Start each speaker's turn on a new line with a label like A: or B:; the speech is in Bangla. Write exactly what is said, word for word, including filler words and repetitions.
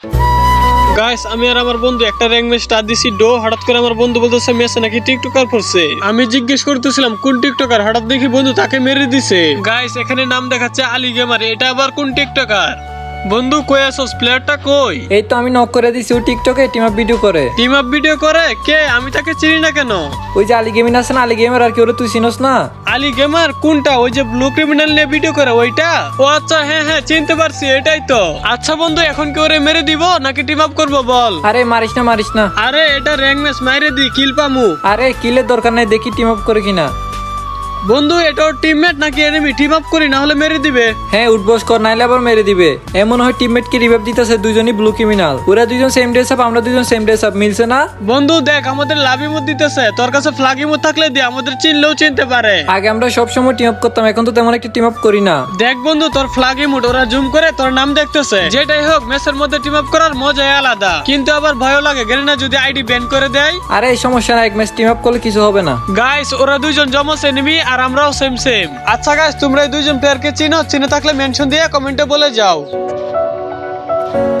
A: গাইস আমি আর আমার বন্ধু একটা র্যাঙ্ক ম্যাচ স্টার্ট দিছি ডো হঠাৎ করে আমার বন্ধু বলতেছে মেসে নাকি টিকটকার করছে। আমি জিজ্ঞেস করতেছিলাম কোন টিকটকার, হঠাৎ দেখি বন্ধু তাকে মেরে দিছে। গাইস এখানে নাম দেখাচ্ছে আলী গেমার, এটা আবার কোন টিকটকার? বন্ধু কই আসোস, প্লেয়ারটা কই?
B: এই তো আমি নক করে দিছি, ও টিকটকে টিম আপ ভিডিও করে।
A: টিম আপ ভিডিও করে? কে? আমি তাকে চিনি না কেন?
B: ওই যে আলী গেমিং আছে না, আলী গেমার, আর কি ওরে তুই চিনস না?
A: আলী গেমার কোনটা? ওই যে ব্লু ক্রিমিনাল নিয়ে ভিডিও করে ওইটা? ও আচ্ছা, হ্যাঁ হ্যাঁ চিনতে পারছি, এটাই তো। আচ্ছা বন্ধু এখন কি ওরে মেরে দিব নাকি টিম আপ করবো বল?
B: আরে মারিস না মারিস না।
A: আরে এটা র্যাঙ্ক ম্যাচ, মাইরে দি কিল পামু।
B: আরে কিলের দরকার নাই, দেখি টিম আপ করে কিনা।
A: বন্ধু এটা ওর টিমমেট নাকি এনিমি? টিম আপ করি না হলে মেরে দিবে।
B: হ্যাঁ উঠবস কর, নাইলে আবার মেরে দিবে। এমন হয় টিমমেট কে রিভাইভ দিতেছে, দুইজনই ব্লু ক্রিমিনাল। ওরা দুইজন সেম ড্রেস আপ, আমরা দুইজন সেম ড্রেস আপ, মিলছে না?
A: বন্ধু দেখ আমাদের লাভ ইমোট দিতেছে, তোর কাছে ফ্ল্যাগ ইমোট থাকলে দি, আমাদের চিনলেও চিনতে পারে।
B: আগে আমরা সব সময় টিম আপ করতাম, এখন তো তেমন একটা টিম আপ করি না।
A: দেখ বন্ধু তোর ফ্ল্যাগ ইমোট, ওরা জুম করে তোর নাম দেখতেছে। যেটাই হোক ম্যাচের মধ্যে টিম আপ করার মজাই আলাদা, কিন্তু আবার ভয়ও লাগে গেলে না যদি আইডি ব্যান করে দেয়।
B: আরে এই সমস্যা না, এক ম্যাচ টিম আপ করলে কিছু হবে না।
A: গাইস ওরা দুইজন জমস এনিমি আর আমরাও সেম সেম। আচ্ছা গাইস তোমরা এই দুইজন প্লেয়ারকে চিনো? চিনে থাকলে মেনশন দিয়ে কমেন্টে বলে যাও।